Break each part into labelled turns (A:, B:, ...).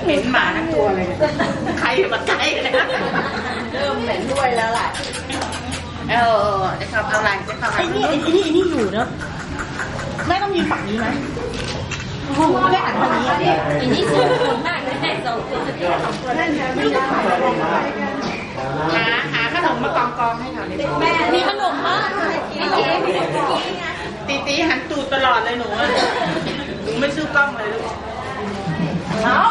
A: เหม็นหมาทั้งตัวเลยใครมาใกล้เลยเริ่มเหม็นด้วยแล้วแหละจะทำอะไรจะทำอะไรไอ้นี่อยู่เนอะแม่ต้องยืนฝั่งนี้นะแม่หันฝั่งนี้อันนี้สูงคนมากเลยแม่สูงหาขนมมากองให้หน่อยแม่มีขนมมั้ยตีหันตูดตลอดเลยหนูไม่ซื้อกล้องเลยลูกแล้ว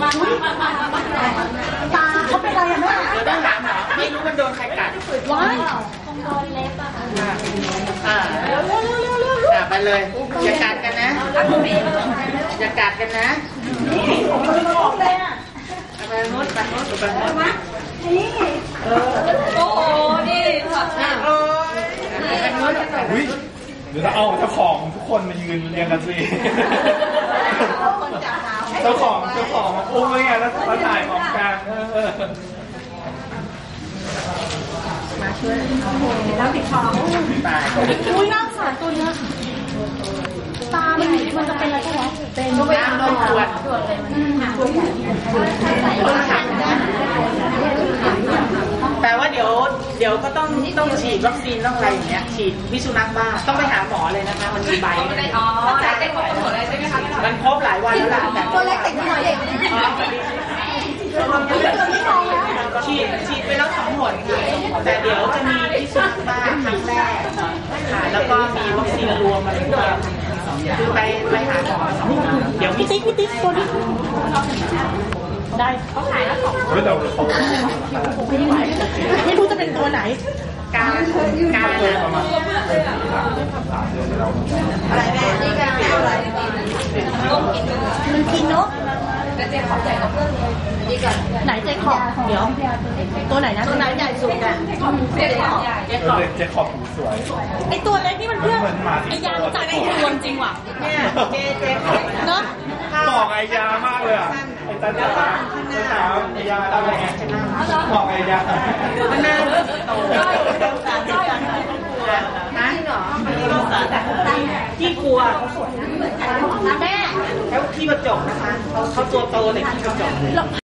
A: ตาเขาเป็นอะไรอ่ะแม่เดี๋ยวต้องถามหมอไม่รู้มันโดนใครกัดว้ายคงโดนเล็บอ่ะไปเลยอย่ากัดกันนะอย่ากัดกันนะไปนุชไปนุชไปนุชนี่โอ้โหนี่โอ้ยไปนุช
B: เดี๋ยวเราเอาเจ้าของทุกคนมายืนเรียงกันสิเจ้าของมาอุ้มไว้ไงแล้วมาถ่ายของกัน
A: มาช่วยแล้วติดคอตายอุ้ยน่าสงสารตัวนี้ตามันจะเป็นอะไรกันวะเป็นน้ำนมขวดแปลว่าเดี๋ยวก็ต้องฉีดวัคซีนต้องอะไรอย่างเงี้ยฉีดพิษสุนัขบ้าต้องไปหาหมอเลยนะคะมันมีใบจ่ายได้หมดเลยใช่ไหมคะมันครบหลายวันแล้วล่ะแต่ตัวเล็กติดหน่อยเด็กฉีดไปแล้ว2 หนแต่เดี๋ยวจะมีพิษสุนัขบ้าครั้งแรกค่ะแล้วก็มีวัคซีนรวมอะไรด้วยคือไปหาหมอ2 เดี๋ยวพี่ติ๊กตัวนี้ได้เขาขายแล้ว2ไม่รู้จะเป็นตัวไหนการประมาณอะไรแม่นี่การอะไรมันกินเนาะแต่เจ๊ขอบใหญ่กว่าเพื่อนเลยนี่ก่อนไหนเจ๊ขอบเดี๋ยวตัวไหนนะตัวไหนใหญ่สุดอ่ะเจ๊
B: ขอบหูสวย
A: ไอตัวเล็กนี่มันเพื่อนไอยาจัดรวมจริงว่ะเนี่ยเจ๊ขอบเนาะ
B: บอกไอยามากเลยอ่ะไอตาเจ้าไอยาอะไรไงบอกไอยา
A: มันน่าโตนะเหรอที่กลัวเขาสวยนะแม่แล้วที่กระจกนะคะเขาตัวโตแต่ที่กระจก